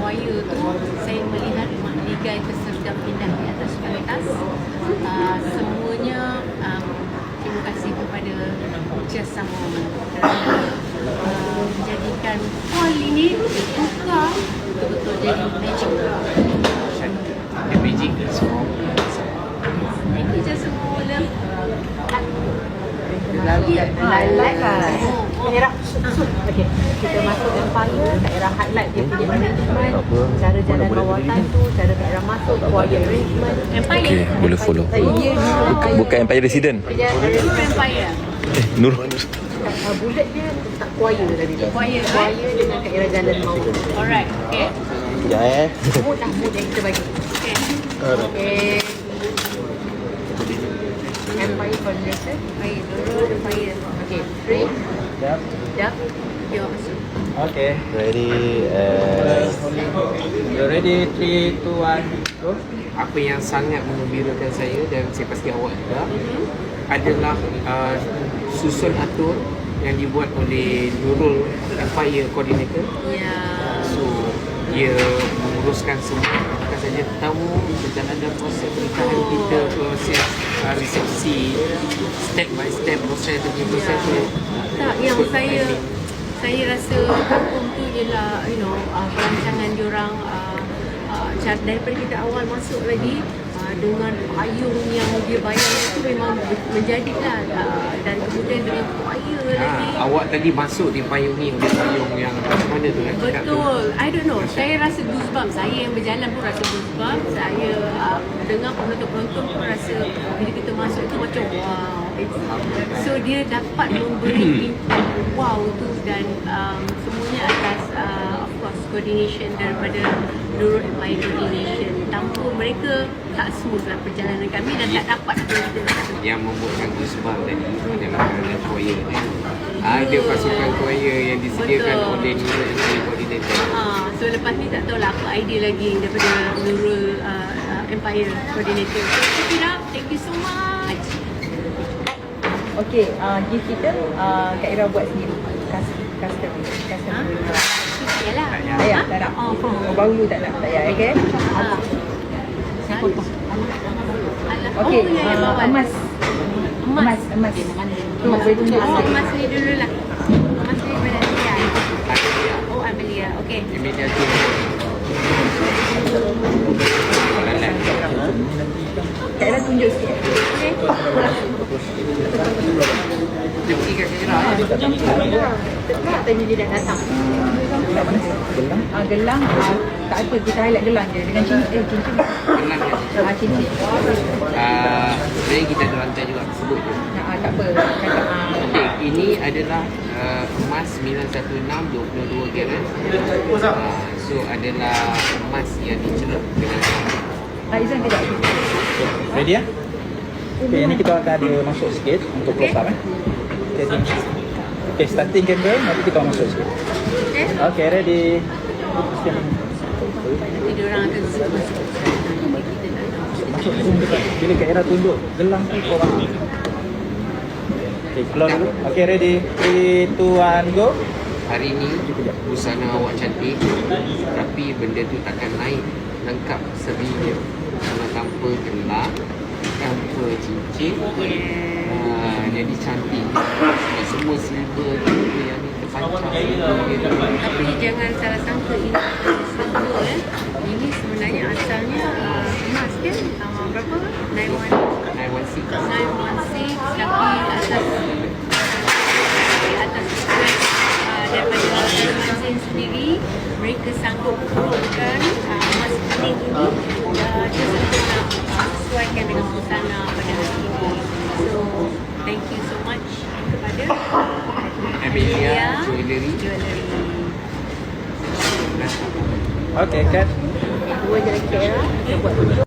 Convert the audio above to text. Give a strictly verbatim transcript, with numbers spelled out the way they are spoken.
choir tu, saya melihat ligai peserta pindah di atas pentas. Uh, semuanya um, terima kasih kepada Just Sama kerana uh, menjadikan hall ini buka betul-betul jadi magic. The magic is from Thank you Just Sama. Love. Highlight lah. Daerah okay. Kita masuk Empire, daerah highlight dia punya arrangement, cara jalan rawatan tu, cara daerah masuk, choir arrangement. Empire. Okay, boleh follow. Ya, Bukan, bukan Empire Resident. Itu Empire. Eh, Nur. Uh, bullet dia tak choir tadi tu. Choir, Choir dengan daerah jalan mau. Alright, okay. Sekejap eh. Mood lah, mood yang kita bagi. Okay. Okay. Empire coordinator. Baik, Nurul Empire. Okay, three. Sekejap. Dah. Yo, masuk. Okay. Ready. Uh, You ready? three, two, one, go. Apa yang sangat menggembirakan saya dan saya pasti awak juga adalah uh, susun atur yang dibuat oleh Nurul Empire Coordinator. Ya. So dia menguruskan semua, bukan saja tetamu, perjalanan proses pernikahan kita, proses uh, resepsi, step by step proses demi proses tu. Tak, yang saya saya rasa kagum tu ialah you know uh, perancangan diorang uh, uh, cara daripada kita awal masuk lagi uh, dengan payung yang dia bayar itu memang menjadilah uh, dan kemudian dengan choir lagi. Ha, awak tadi masuk dipayungi oleh payung yang macam mana tu kan? cakap tu? Betul. I don't know. Saya rasa goosebumps. Saya yang berjalan pun rasa goosebumps. Saya uh, dengar penonton-penonton pun rasa bila kita masuk tu macam wow. It's, so dia dapat memberi impact wow tu dan um, semuanya atas uh, of course coordination daripada Nurul Empire Coordination. Tanpa mereka tak smooth lah perjalanan kami dan tak dapat apa yang kita nak. Yang membuatkan goosebumps tadi adalah kerana choir ni. Ada pasukan choir yang disediakan Betul. oleh Nurul Empire Coordinator. Ah, so lepas ni tak tahulah apa idea lagi daripada Nurul uh, uh, Empire Coordinator. So keep it up. Thank you so much. Okay, uh, gift kita uh, Kak Ira buat sendiri. Custom, custom, custom. Ha? Yalah. Tak payah, tak nak. Oh, Oh, baru tak nak, tak payah, okay? Ah. Saya potong. Okay, oh, ya, ya, uh, bawal. emas. Emas, emas. Tu, boleh tunjuk Oh, sikit. emas ni dulu lah. Emas ni pada Amelia. Amelia. Oh, Amelia. Okay. Amelia tu. Lalat. Kak Ira tunjuk sikit. Okay. Dia pergi kat Kira. Dekat tadi dia dah datang. Gelang? Ah, gelang. Ah, tak apa, kita highlight gelang je. Dengan cincin. Eh, cincin. Kenal kan? Ah, cincin. Ah, sebenarnya kita ada rantai juga, sebut je. Ah, tak apa. Cakap, ah. Okay, ini adalah uh, emas sembilan satu enam dua puluh dua karat. Uh, so adalah emas yang dicelup dengan Ah, Izan kejap. ready ya? Okay, ini kita akan ada masuk sikit untuk close up eh. Okay, okay, starting camera, nanti kita masuk sikit. Okay. Okay, ready. Nanti diorang akan masuk. Kita tak tahu. Masuk zoom dekat. Bila Kak Ira tunjuk gelang tu korang. Okay, close dulu. Okay, ready. three, two, one, go. hari ni busana awak cantik, tapi benda tu takkan naik lengkap serinya kalau tanpa gelang, tanpa cincin. Uh, jadi cantik. Sebab semua silver tu yang ni terpancang. Tapi jangan salah sangka ini silver eh. Ini sebenarnya asalnya uh, emas kan? Uh, berapa? nine one six nine one six. tapi atas atas request uh, daripada masing sendiri, mereka sanggup turunkan uh, emas kuning ini uh, just untuk nak uh, sesuaikan dengan busana pada hari ini. So thank you so much kepada Amelia Jewellery. Jewellery. Okay, cut. Dua je lagi Kak Ira. Kita buat dulu.